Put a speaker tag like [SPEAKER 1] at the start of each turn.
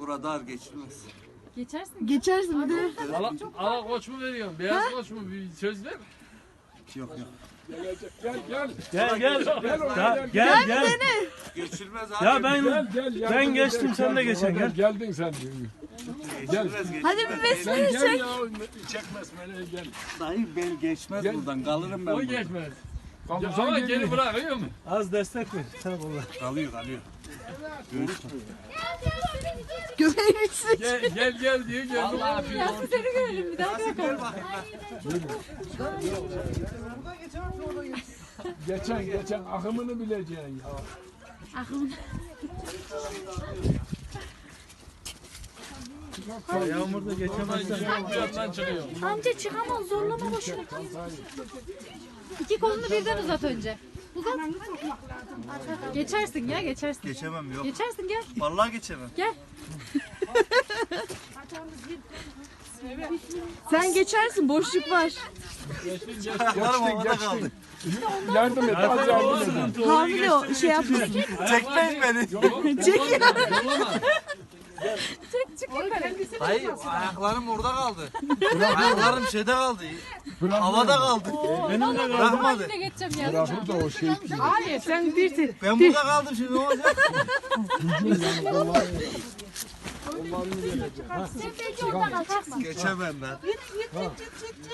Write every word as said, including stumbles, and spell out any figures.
[SPEAKER 1] Burada dar geçilmez.
[SPEAKER 2] Geçersin.
[SPEAKER 3] Geçersin bir de.
[SPEAKER 4] Ala, ala koç mu veriyorsun? Beyaz koç mu? Bir söz ver.
[SPEAKER 1] Yok yok.
[SPEAKER 5] Gel gel.
[SPEAKER 6] Gel gel.
[SPEAKER 5] Gel
[SPEAKER 6] Ya, gel gel.
[SPEAKER 1] Geçilmez abi.
[SPEAKER 6] Ya ben
[SPEAKER 5] Gel gel. yardım
[SPEAKER 6] ben geçtim
[SPEAKER 5] eder,
[SPEAKER 6] sen de
[SPEAKER 5] gel,
[SPEAKER 6] geçen gel.
[SPEAKER 5] Geldin sen.
[SPEAKER 1] Geçilmez, geçilmez.
[SPEAKER 3] Hadi bir
[SPEAKER 5] Sen
[SPEAKER 3] besmele
[SPEAKER 5] gel
[SPEAKER 3] çek.
[SPEAKER 5] ya. Çekmez beni gel.
[SPEAKER 1] Dayı ben geçmez
[SPEAKER 5] Gel.
[SPEAKER 1] buradan. Kalırım ben
[SPEAKER 4] O
[SPEAKER 1] burada.
[SPEAKER 4] geçmez. Ya,
[SPEAKER 5] Kalırsan
[SPEAKER 4] ama
[SPEAKER 5] gel.
[SPEAKER 4] geri bırakıyor mu?
[SPEAKER 6] Az destek ver. Sen valla.
[SPEAKER 1] Kalıyor kalıyor.
[SPEAKER 3] Göbeğin içine.
[SPEAKER 4] Gel gel, gel diyor gel.
[SPEAKER 1] Allah bir
[SPEAKER 2] Yasin seni görelim bir daha.
[SPEAKER 1] Gel bakayım ben.
[SPEAKER 5] Geçen geçen akımını bileceksin ya.
[SPEAKER 6] Yağmurda geçemezsen.
[SPEAKER 4] Bir yandan çıkıyor.
[SPEAKER 2] Amca çıkamaz zorlama boşuna. İki kolunu birden uzat önce. Uzat. Geçersin ya geçersin.
[SPEAKER 1] Geçemem yok.
[SPEAKER 2] Geçersin gel.
[SPEAKER 1] Vallahi geçemem.
[SPEAKER 2] Gel.
[SPEAKER 3] Sen geçersin, boşluk var.
[SPEAKER 1] Ayaklarım havada kaldı.
[SPEAKER 5] Yardım et az yardım edin.
[SPEAKER 3] Hamile o şey yapmasın.
[SPEAKER 1] Çekmeyin beni.
[SPEAKER 3] Çekiyor.
[SPEAKER 1] Hayır ayaklarım orada kaldı. Ayaklarım şeyde kaldı. Havada kaldı.
[SPEAKER 6] Benim de
[SPEAKER 1] Bırakmadı.
[SPEAKER 2] Yine geçeceğim ya.
[SPEAKER 5] Bırakır da o şey değil.
[SPEAKER 3] Hayır sen bir tek.
[SPEAKER 1] Ben burada kaldım şimdi ne olacak?
[SPEAKER 2] Sen belki oradan alacaksın.
[SPEAKER 1] Geçemem ben.